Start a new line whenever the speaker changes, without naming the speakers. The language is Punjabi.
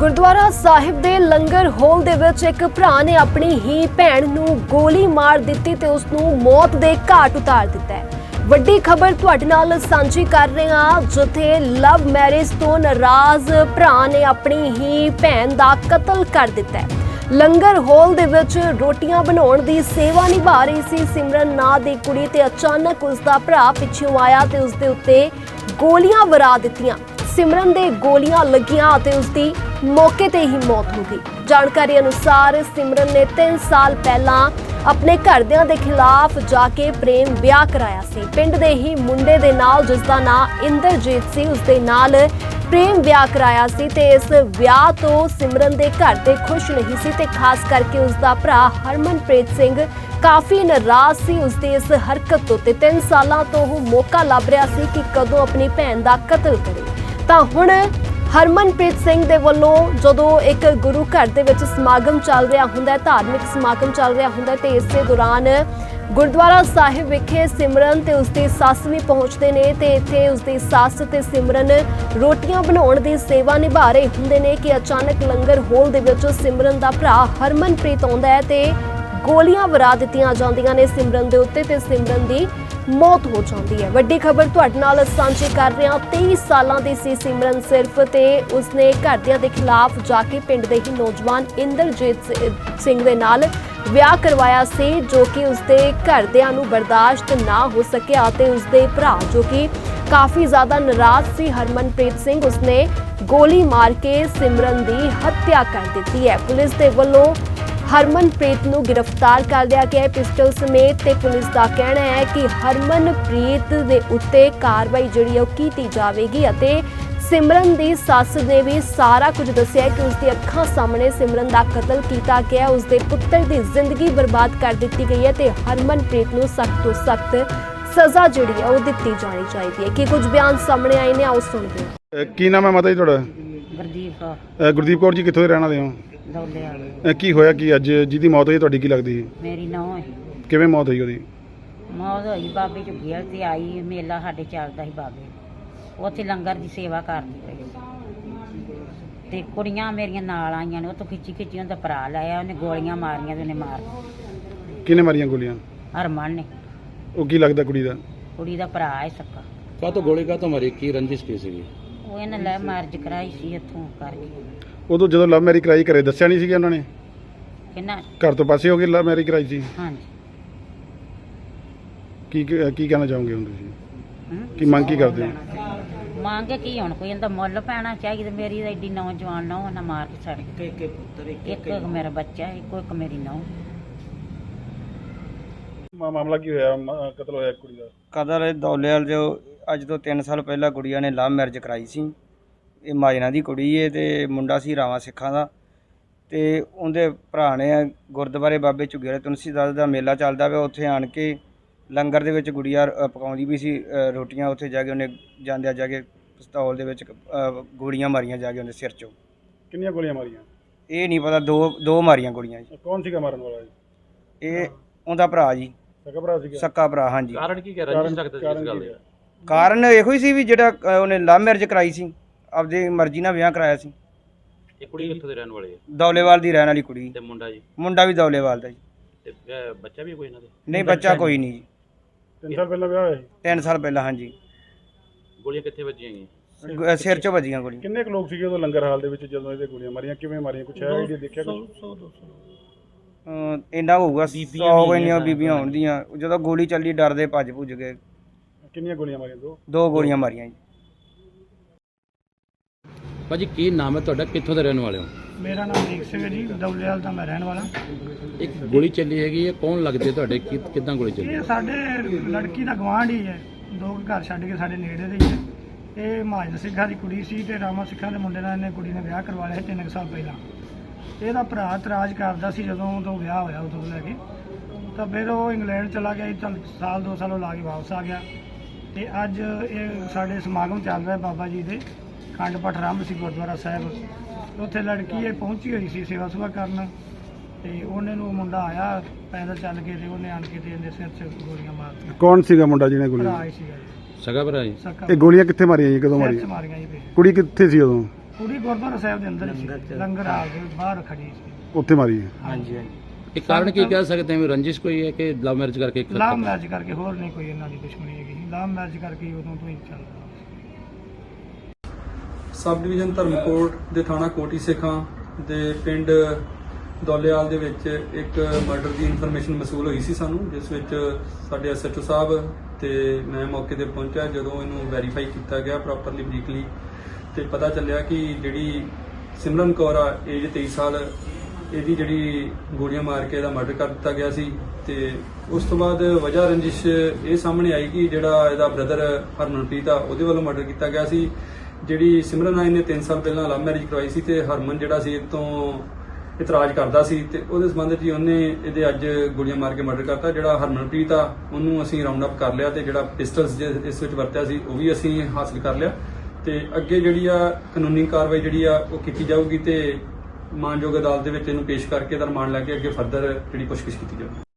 ਗੁਰਦੁਆਰਾ ਸਾਹਿਬ ਦੇ ਲੰਗਰ ਹਾਲ ਦੇ ਵਿੱਚ ਇੱਕ ਭਰਾ ਨੇ ਆਪਣੀ ਹੀ ਭੈਣ ਨੂੰ ਗੋਲੀ ਮਾਰ ਦਿੱਤੀ ਤੇ ਉਸ ਨੂੰ ਮੌਤ ਦੇ ਘਾਟ ਉਤਾਰ ਦਿੱਤਾ ਹੈ। ਵੱਡੀ ਖਬਰ ਤੁਹਾਡੇ ਨਾਲ ਸਾਂਝੀ ਕਰ ਰਹੇ ਹਾਂ, ਜਿੱਥੇ ਲਵ ਮੈਰਿਜ ਤੋਂ ਨਾਰਾਜ਼ ਭਰਾ ਨੇ ਆਪਣੀ ਹੀ ਭੈਣ ਦਾ ਕਤਲ ਕਰ ਦਿੱਤਾ ਹੈ। ਲੰਗਰ ਹਾਲ ਦੇ ਵਿੱਚ ਰੋਟੀਆਂ ਬਣਾਉਣ ਦੀ ਸੇਵਾ ਨਿਭਾ ਰਹੀ ਸੀ ਸਿਮਰਨ ਨਾਂ ਦੀ ਕੁੜੀ ਤੇ ਅਚਾਨਕ ਉਸ ਦਾ ਭਰਾ ਪਿੱਛੋਂ ਆਇਆ ਤੇ ਉਸ ਦੇ ਉੱਤੇ ਗੋਲੀਆਂ ਵਰਾ ਦਿੱਤੀਆਂ। ਸਿਮਰਨ ਦੇ ਗੋਲੀਆਂ ਲੱਗੀਆਂ ਅਤੇ ਉਸ ਦੀ ਮੌਕੇ ਤੇ ਹੀ ਮੌਤ ਹੋ ਗਈ। ਜਾਣਕਾਰੀ ਅਨੁਸਾਰ ਸਿਮਰਨ ਨੇ 3 ਸਾਲ ਪਹਿਲਾਂ ਆਪਣੇ ਘਰਦਿਆਂ ਦੇ ਖਿਲਾਫ ਜਾ ਕੇ ਪ੍ਰੇਮ ਵਿਆਹ ਕਰਾਇਆ ਸੀ। ਪਿੰਡ ਦੇ ਹੀ ਮੁੰਡੇ ਦੇ ਨਾਲ, ਜਿਸ ਦਾ ਨਾਂ ਇੰਦਰਜੀਤ ਸੀ, ਉਸ ਦੇ ਨਾਲ ਪ੍ਰੇਮ ਵਿਆਹ ਕਰਾਇਆ ਸੀ ਤੇ ਇਸ ਵਿਆਹ ਤੋਂ ਸਿਮਰਨ ਦੇ ਘਰ ਦੇ ਖੁਸ਼ ਨਹੀਂ ਸੀ ਤੇ ਖਾਸ ਕਰਕੇ ਉਸ ਦਾ ਭਰਾ ਹਰਮਨਪ੍ਰੀਤ ਸਿੰਘ ਕਾਫੀ ਨਾਰਾਜ਼ ਸੀ ਉਸ ਦੀ ਇਸ ਹਰਕਤ ਤੋਂ ਤੇ 3 ਸਾਲਾਂ ਤੋਂ ਉਹ ਮੌਕਾ ਲੱਭ ਰਿਹਾ ਸੀ ਕਿ ਕਦੋਂ ਆਪਣੀ ਭੈਣ ਦਾ ਕਤਲ ਕਰੇ। ਤਾਂ ਹੁਣ ਹਰਮਨਪ੍ਰੀਤ ਸਿੰਘ ਦੇ ਵੱਲੋਂ ਜਦੋਂ ਇੱਕ ਗੁਰੂ ਘਰ ਦੇ ਵਿੱਚ ਸਮਾਗਮ ਚੱਲ ਰਿਹਾ ਹੁੰਦਾ ਹੈ, ਧਾਰਮਿਕ ਸਮਾਗਮ ਚੱਲ ਰਿਹਾ ਹੁੰਦਾ ਤੇ ਇਸੇ ਦੌਰਾਨ ਗੁਰਦੁਆਰਾ ਸਾਹਿਬ ਵਿਖੇ ਸਿਮਰਨ ਤੇ ਉਸਦੀ ਸੱਸ ਵੀ ਪਹੁੰਚਦੇ ਨੇ ਤੇ ਇੱਥੇ ਉਸਦੀ ਸੱਸ ਤੇ ਸਿਮਰਨ ਰੋਟੀਆਂ ਬਣਾਉਣ ਦੀ ਸੇਵਾ ਨਿਭਾ ਰਹੇ ਹੁੰਦੇ ਨੇ ਕਿ ਅਚਾਨਕ ਲੰਗਰ ਹਾਲ ਦੇ ਵਿੱਚ ਸਿਮਰਨ ਦਾ ਭਰਾ ਹਰਮਨਪ੍ਰੀਤ ਆਉਂਦਾ ਹੈ ਤੇ ਗੋਲੀਆਂ ਵਰਾ ਦਿੱਤੀਆਂ ਜਾਂਦੀਆਂ ਨੇ ਸਿਮਰਨ ਦੇ ਉੱਤੇ ਤੇ ਸਿਮਰਨ ਦੀ ਮੌਤ ਹੋ ਜਾਂਦੀ ਹੈ। ਵੱਡੀ ਖਬਰ ਤੁਹਾਡੇ ਨਾਲ ਸਾਂਝੀ ਕਰ ਰਹੇ ਹਾਂ। 23 ਸਾਲਾਂ ਦੀ ਸੀ ਸਿਮਰਨ ਸਿਰਫ ਤੇ ਉਸਨੇ ਘਰਦਿਆਂ ਦੇ ਖਿਲਾਫ ਜਾ ਕੇ ਪਿੰਡ ਦੇ ਹੀ ਨੌਜਵਾਨ ਇੰਦਰਜੀਤ ਸਿੰਘ ਦੇ ਨਾਲ ਵਿਆਹ ਕਰਵਾਇਆ ਸੀ, ਜੋ ਕਿ ਉਸਦੇ ਘਰਦਿਆਂ ਨੂੰ ਬਰਦਾਸ਼ਤ ਨਾ ਹੋ ਸਕਿਆ ਤੇ ਉਸਦੇ ਭਰਾ ਜੋ ਕਿ ਕਾਫੀ ਜ਼ਿਆਦਾ ਨਾਰਾਜ਼ ਸੀ ਹਰਮਨਪ੍ਰੀਤ ਸਿੰਘ, ਉਸਨੇ ਗੋਲੀ ਮਾਰ ਕੇ ਸਿਮਰਨ ਦੀ ਹੱਤਿਆ ਕਰ ਦਿੱਤੀ ਹੈ। ਪੁਲਿਸ ਦੇ ਵੱਲੋਂ ਹਰਮਨਪ੍ਰੀਤ ਨੂੰ ਗ੍ਰਿਫਤਾਰ ਕਰ ਲਿਆ ਗਿਆ ਹੈ ਪਿਸਟਲ ਸਮੇਤ ਤੇ ਪੁਲਿਸ ਦਾ ਕਹਿਣਾ ਹੈ ਕਿ ਹਰਮਨਪ੍ਰੀਤ ਦੇ ਉੱਤੇ ਕਾਰਵਾਈ ਜਿਹੜੀ ਉਹ ਕੀਤੀ ਜਾਵੇਗੀ ਅਤੇ ਸਿਮਰਨ ਦੀ ਸੱਸ ਨੇ ਵੀ ਸਾਰਾ ਕੁਝ ਦੱਸਿਆ ਕਿ ਉਸ ਦੀ ਅੱਖਾਂ ਸਾਹਮਣੇ ਸਿਮਰਨ ਦਾ ਕਤਲ ਕੀਤਾ ਗਿਆ, ਉਸ ਦੇ ਪੁੱਤਰ ਦੀ ਜ਼ਿੰਦਗੀ ਬਰਬਾਦ ਕਰ ਦਿੱਤੀ ਗਈ ਹੈ ਤੇ ਹਰਮਨਪ੍ਰੀਤ ਨੂੰ ਸਖਤ ਤੋਂ ਸਖਤ ਸਜ਼ਾ ਜਿਹੜੀ ਹੈ ਉਹ ਦਿੱਤੀ ਜਾਣੀ ਚਾਹੀਦੀ ਹੈ। ਕਿ ਕੁਝ ਬਿਆਨ ਸਾਹਮਣੇ ਆਏ ਨੇ, ਆਓ ਸੁਣਦੇ ਹਾਂ।
ਕੀ ਨਾਮ ਹੈ ਮਾਤਾ ਜੀ ਤੁਹਾਡਾ?
ਗੁਰਦੀਪ ਕੌਰ।
ਗੁਰਦੀਪ ਕੌਰ ਜੀ, ਕਿੱਥੋਂ ਦੇ ਰਹਿਣ ਵਾਲੇ ਹੋ?
ਦੌਲੇ ਵਾਲੀ।
ਕੀ ਹੋਇਆ ਕੀ ਅੱਜ ਜਿਹਦੀ ਮੌਤ ਹੋਈ ਤੁਹਾਡੀ ਕੀ ਲੱਗਦੀ ਸੀ?
ਮੇਰੀ ਨੂੰਹ ਹੈ।
ਕਿਵੇਂ ਮੌਤ ਹੋਈ ਉਹਦੀ?
ਮੌਤ ਹੋਈ ਬਾਬੇ ਝੁੱਗੀਆਂ ਤੇ ਆਈ, ਮੇਲਾ ਸਾਡੇ ਚੱਲਦਾ ਸੀ ਬਾਬੇ, ਉੱਥੇ ਲੰਗਰ ਦੀ ਸੇਵਾ ਕਰਦੀ ਪਈ ਤੇ ਕੁੜੀਆਂ ਮੇਰੀਆਂ ਨਾਲ ਆਈਆਂ ਨੇ, ਉਹ ਤੋਂ ਖਿੱਚੀ ਉਹਦਾ ਭਰਾ ਲਾਇਆ, ਉਹਨੇ ਗੋਲੀਆਂ ਮਾਰੀਆਂ ਤੇ ਉਹਨੇ ਮਾਰ।
ਕਿਹਨੇ ਮਾਰੀਆਂ ਗੋਲੀਆਂ?
ਹਰਮਨ ਨੇ।
ਉਹ ਕੀ ਲੱਗਦਾ ਕੁੜੀ ਦਾ?
ਕੁੜੀ ਦਾ ਭਰਾ ਹੈ ਸੱਕਾ।
ਕਾਹਤੋਂ ਗੋਲੀ ਕਾਹਤੋਂ ਮਾਰੀ? ਕੀ ਰੰਜਿਸ਼ ਕੀ ਸੀਗੀ?
ਉਹ ਇਹਨੇ ਲੈ ਮਾਰਜ ਕਰਾਈ ਸੀ ਇੱਥੋਂ ਕਰਕੇ।
ਉਦੋਂ ਜਦੋਂ ਲਵ ਮੈਰਿਜ ਕਰਾਈ ਘਰੇ ਦੱਸਿਆ ਨਹੀਂ ਸੀਗਾ ਉਹਨਾਂ ਨੇ?
ਕਿੰਨਾ
ਘਰ ਤੋਂ ਪਾਸੇ ਹੋ ਕੇ ਲਵ ਮੈਰਿਜ ਕਰਾਈ ਸੀ?
ਹਾਂਜੀ।
ਕੀ ਕਹਿਣਾ ਚਾਹੋਗੇ ਹੁਣ ਤੁਸੀਂ? ਕੀ ਮੰਗ ਕੀ ਕਰਦੇ ਹੋ?
ਮੰਗ ਕੀ ਹੁਣ, ਕੋਈ ਇਹਦਾ ਮੁੱਲ ਪੈਣਾ ਚਾਹੀਦਾ। ਮੇਰੀ ਤਾਂ ਐਡੀ ਨੌਜਵਾਨ ਨੂੰਹ ਨਾ ਮਾਰ ਕੇ ਛੱਡ ਕੇ। ਇੱਕ ਮੇਰਾ ਬੱਚਾ, ਇੱਕ ਮੇਰੀ ਨੂੰਹ।
ਮਾਮਲਾ ਕੀ ਹੋਇਆ? ਕਤਲ ਹੋਇਆ ਕੁੜੀ ਦਾ?
ਕਤਲ ਦੌਲੇਵਾਲ ਜੋ ਅੱਜ ਤੋਂ 3 ਸਾਲ ਪਹਿਲਾਂ ਗੁੜੀਆ ਨੇ ਲਵ ਮੈਰਿਜ ਕਰਾਈ ਸੀ। ਇਹ ਮਾਜਨਾ ਦੀ ਕੁੜੀ ਏ ਤੇ ਮੁੰਡਾ ਸੀ ਰਾਵਾਂ ਸਿੱਖਾਂ ਦਾ ਤੇ ਉਹਦੇ ਭਰਾ ਨੇ ਗੁਰਦੁਆਰੇ ਬਾਬੇ ਝੁੱਗੀਆਂ ਤੁਲਸੀਦਾਸ ਦਾ ਮੇਲਾ ਚੱਲਦਾ ਪਿਆ, ਉੱਥੇ ਆਣ ਕੇ ਲੰਗਰ ਦੇ ਵਿੱਚ ਗੁੜੀਆ ਪਕਾਉਂਦੀ ਵੀ ਸੀ ਰੋਟੀਆਂ। ਉੱਥੇ ਜਾ ਕੇ ਉਹਨੇ ਜਾਂਦਿਆਂ ਜਾ ਕੇ ਪਿਸਤੌਲ ਦੇ ਵਿੱਚ ਗੋਲੀਆਂ ਮਾਰੀਆਂ ਜਾ ਕੇ ਉਹਦੇ ਸਿਰ 'ਚੋਂ।
ਕਿੰਨੀਆਂ ਗੋਲੀਆਂ ਮਾਰੀਆਂ?
ਇਹ ਨਹੀਂ ਪਤਾ, ਦੋ ਮਾਰੀਆਂ ਗੋਲੀਆਂ ਜੀ।
ਕੌਣ ਸੀਗਾ ਮਾਰਨ ਵਾਲਾ ਜੀ?
ਇਹ ਉਹਦਾ ਭਰਾ ਜੀ,
ਸਕਾ ਭਰਾ ਸੀਗਾ?
ਸੱਕਾ ਭਰਾ, ਹਾਂਜੀ।
ਕਾਰਨ ਕੀ ਕਹਿ ਰੰਜਿਸ਼ ਰੱਖਦੇ ਸੀ ਇਸ ਗੱਲ ਦੇ?
ਕਾਰਨ ਇਹੋ ਹੀ ਸੀ ਵੀ ਜਿਹੜਾ ਉਹਨੇ ਲਵ ਮੈਰਿਜ ਕਰਾਈ ਸੀ, ਆਪਦੀ ਮਰਜ਼ੀ ਨਾਲ ਵਿਆਹ ਕਰਾਇਆ ਸੀ।
ਇਹ ਕੁੜੀ ਕਿੱਥੋਂ ਦੇ ਰਹਿਣ ਵਾਲੀ ਹੈ?
ਦੌਲੇਵਾਲ ਦੀ ਰਹਿਣ ਵਾਲੀ ਕੁੜੀ।
ਤੇ ਮੁੰਡਾ ਜੀ?
ਮੁੰਡਾ ਵੀ ਦੌਲੇਵਾਲ ਦਾ ਜੀ।
ਤੇ ਬੱਚਾ ਵੀ ਕੋਈ ਇਹਨਾਂ ਦੇ?
ਨਹੀਂ, ਬੱਚਾ ਕੋਈ ਨਹੀਂ ਜੀ।
3 ਸਾਲ ਪਹਿਲਾਂ ਵਿਆਹ ਹੋਇਆ ਸੀ?
3 ਸਾਲ ਪਹਿਲਾਂ, ਹਾਂਜੀ।
ਗੋਲੀਆਂ ਕਿੱਥੇ ਵੱਜੀਆਂ ਗਈਆਂ?
ਸਿਰ 'ਚ ਵੱਜੀਆਂ ਗੋਲੀਆਂ।
ਕਿੰਨੇ ਕੁ ਲੋਕ ਸੀਗੇ ਉਦੋਂ ਲੰਗਰ ਹਾਲ ਦੇ ਵਿੱਚ ਜਦੋਂ ਇਹਦੇ ਗੋਲੀਆਂ ਮਾਰੀਆਂ? ਕਿਵੇਂ ਮਾਰੀਆਂ? ਕੁਛ ਹੈ ਆਈਡੀਆ ਦੇਖਿਆ ਕੁਛ?
ਇੰਨਾ ਹੋਊਗਾ 100 ਇੰਨੀਆਂ ਬੀਬੀਆਂ ਹੋਣਗੀਆਂ। ਜਦੋਂ ਗੋਲੀ ਚੱਲੀ ਡਰਦੇ ਭੱਜ ਭੁੱਜ ਗਏ।
ਕਿੰਨੀਆਂ ਗੋਲੀਆਂ ਮਾਰੀਆਂ?
ਦੋ ਗੋਲੀਆਂ ਮਾਰੀਆਂ ਜੀ।
ਭਾਜੀ ਕੀ ਨਾਮ ਹੈ ਤੁਹਾਡਾ? ਕਿੱਥੋਂ ਦੇ ਰਹਿਣ ਵਾਲੇ ਹੋ?
ਮੇਰਾ ਨਾਮ ਦੀਪ ਸਿੰਘ ਹੈ ਜੀ, ਦੌਲੇਵਾਲ ਦਾ ਮੈਂ ਰਹਿਣ ਵਾਲਾ।
ਇੱਕ ਗੋਲੀ ਚੱਲੀ ਹੈਗੀ ਹੈ, ਕੌਣ ਲੱਗਦੇ ਤੁਹਾਡੇ? ਕਿੱਦਾਂ ਗੋਲੀ ਚੱਲੀ?
ਇਹ ਸਾਡੇ ਲੜਕੀ ਦਾ ਗਵਾਂਢ ਹੀ ਹੈ, 2 ਘਰ ਛੱਡ ਕੇ ਸਾਡੇ ਨੇੜੇ ਦੇ ਹੀ ਹੈ। ਇਹ ਮਹਾਜਨ ਸਿੰਘਾਂ ਦੀ ਕੁੜੀ ਸੀ ਤੇ ਰਾਮਾ ਸਿੱਖਾਂ ਦੇ ਮੁੰਡੇ ਨਾਲ ਇਹਨੇ ਕੁੜੀ ਨੇ ਵਿਆਹ ਕਰਵਾ ਲਿਆ 3 ਸਾਲ ਪਹਿਲਾਂ। ਇਹਦਾ ਭਰਾ ਇਤਰਾਜ਼ ਕਰਦਾ ਸੀ ਜਦੋਂ ਤੋਂ ਵਿਆਹ ਹੋਇਆ ਉਦੋਂ ਲੈ ਕੇ, ਤਾਂ ਫਿਰ ਉਹ ਇੰਗਲੈਂਡ ਚਲਾ ਗਿਆ। ਚੱਲ ਸਾਲ 2 ਸਾਲ ਉਹ ਲਾ ਕੇ ਵਾਪਸ ਆ ਗਿਆ ਤੇ ਅੱਜ ਇਹ ਸਾਡੇ ਸਮਾਗਮ ਚੱਲ ਰਿਹਾ ਬਾਬਾ ਜੀ ਦੇ ਖੰਡ ਪਾਠ ਆਰੰਭ ਸੀ ਗੁਰਦੁਆਰਾ ਸਾਹਿਬ। ਉੱਥੇ ਲੜਕੀ ਇਹ ਪਹੁੰਚੀ ਹੋਈ ਸੀ ਸੇਵਾ ਸੁਭਾ ਕਰਨ ਤੇ ਉਹਨੇ ਨੂੰ ਮੁੰਡਾ ਆਇਆ ਪੈਦਲ ਚੱਲ ਕੇ ਤੇ ਉਹਨੇ ਆਣ ਕੇ ਤੇ ਇਹਦੇ ਸਿਰ 'ਚ ਗੋਲੀਆਂ ਮਾਰਤੀਆਂ।
ਕੌਣ ਸੀਗਾ ਮੁੰਡਾ ਜਿਹਨੇ ਗੋਲੀਆਂ?
ਭਰਾ ਹੀ ਸੀਗਾ ਜੀ,
ਸਗਾ ਭਰਾ ਜੀ?
ਸਕਾ।
ਇਹ ਗੋਲੀਆਂ ਕਿੱਥੇ ਮਾਰੀਆਂ ਜੀ? ਕਦੋਂ
ਸਿਰ 'ਚ
ਮਾਰੀਆਂ?
ਮਾਰੀਆਂ ਜੀ ਫਿਰ।
ਕੁੜੀ ਕਿੱਥੇ ਸੀ ਉਦੋਂ?
ਕੁੜੀ ਗੁਰਦੁਆਰਾ ਸਾਹਿਬ ਦੇ ਅੰਦਰ ਹੀ ਸੀ, ਲੰਗਰ ਹਾਲ ਦੇ ਬਾਹਰ ਖੜੀ ਸੀ।
ਉੱਥੇ ਮਾਰੀ ਹੈ।
ਹਾਂਜੀ
ਇਹ ਕਾਰਨ ਕੀ ਕਹਿ ਸਕਦੇ ਹਾਂ, ਰੰਜਿਸ਼ ਕੋਈ ਹੈ ਕਿ ਲਵ ਮੈਰਿਜ ਕਰਕੇ
ਲਾਭ ਮੈਰਿਜ ਕਰਕੇ, ਹੋਰ ਨਹੀਂ ਕੋਈ ਇਹਨਾਂ ਦੀ ਦੁਸ਼ਮਣੀ ਹੈਗੀ। ਲਾਭ ਮੈਰਿਜ ਕਰਕੇ ਹੀ ਉਦੋਂ ਤੋਂ ਹੀ ਚੱਲ ਰਿਹਾ।
ਸਬ ਡਿਵੀਜ਼ਨ ਧਰਮਕੋਟ ਦੇ ਥਾਣਾ ਕੋਟੀ ਸਿੱਖਾਂ ਦੇ ਪਿੰਡ ਦੌਲੇਵਾਲ ਦੇ ਵਿੱਚ ਇੱਕ ਮਰਡਰ ਦੀ ਇਨਫੋਰਮੇਸ਼ਨ ਮਸੂਲ ਹੋਈ ਸੀ ਸਾਨੂੰ, ਜਿਸ ਵਿੱਚ ਸਾਡੇ ਐਸਐਚਓ ਸਾਹਿਬ ਤੇ ਮੈਂ ਮੌਕੇ ਤੇ ਪਹੁੰਚਿਆ। ਜਦੋਂ ਇਹਨੂੰ ਵੈਰੀਫਾਈ ਕੀਤਾ ਗਿਆ ਪ੍ਰੋਪਰਲੀ ਬਰੀਕਲੀ, ਤੇ ਪਤਾ ਚੱਲਿਆ ਕਿ ਜਿਹੜੀ ਸਿਮਰਨ ਕੌਰ ਆ, ਏਜ 23 ਸਾਲ, ਇਹਦੀ ਜਿਹੜੀ ਗੋਲੀਆਂ ਮਾਰ ਕੇ ਇਹਦਾ ਮਰਡਰ ਕਰ ਦਿੱਤਾ ਗਿਆ ਸੀ। ਤੇ ਉਸ ਤੋਂ ਬਾਅਦ ਵਜ੍ਹਾ ਰੰਜਿਸ਼ ਇਹ ਸਾਹਮਣੇ ਆਈ ਕਿ ਜਿਹੜਾ ਇਹਦਾ ਬ੍ਰਦਰ ਹਰਮਨਪ੍ਰੀਤ ਆ, ਉਹਦੇ ਵੱਲੋਂ ਮਰਡਰ ਕੀਤਾ ਗਿਆ ਸੀ। ਜਿਹੜੀ ਸਿਮਰਨ ਆ, ਇਹਨੇ 3 ਸਾਲ ਪਹਿਲਾਂ ਲਵ ਮੈਰਿਜ ਕਰਵਾਈ ਸੀ ਤੇ ਹਰਮਨ ਜਿਹੜਾ ਸੀ ਇਹ ਤੋਂ ਇਤਰਾਜ਼ ਕਰਦਾ ਸੀ, ਤੇ ਉਹਦੇ ਸੰਬੰਧ 'ਚ ਹੀ ਉਹਨੇ ਇਹਦੇ ਅੱਜ ਗੋਲੀਆਂ ਮਾਰ ਕੇ ਮਰਡਰ ਕਰਤਾ। ਜਿਹੜਾ ਹਰਮਨਪ੍ਰੀਤ ਆ, ਉਹਨੂੰ ਅਸੀਂ ਰਾਉਂਡ ਅਪ ਕਰ ਲਿਆ ਤੇ ਜਿਹੜਾ ਪਿਸਟਲਸ ਇਸ ਵਿੱਚ ਵਰਤਿਆ ਸੀ ਉਹ ਵੀ ਅਸੀਂ ਹਾਸਲ ਕਰ ਲਿਆ। ਤੇ ਅੱਗੇ ਜਿਹੜੀ ਆ ਕਾਨੂੰਨੀ ਕਾਰਵਾਈ ਜਿਹੜੀ ਆ ਉਹ ਕੀਤੀ ਜਾਊਗੀ ਤੇ ਮਾਨਯੋਗ ਅਦਾਲਤ ਦੇ ਵਿੱਚ ਇਹਨੂੰ ਪੇਸ਼ ਕਰਕੇ ਇਹਦਾ ਰਿਮਾਂਡ ਲੈ ਕੇ ਅੱਗੇ ਫਰਦਰ ਜਿਹੜੀ ਪੁੱਛਗਿੱਛ ਕੀਤੀ ਜਾਊਗੀ।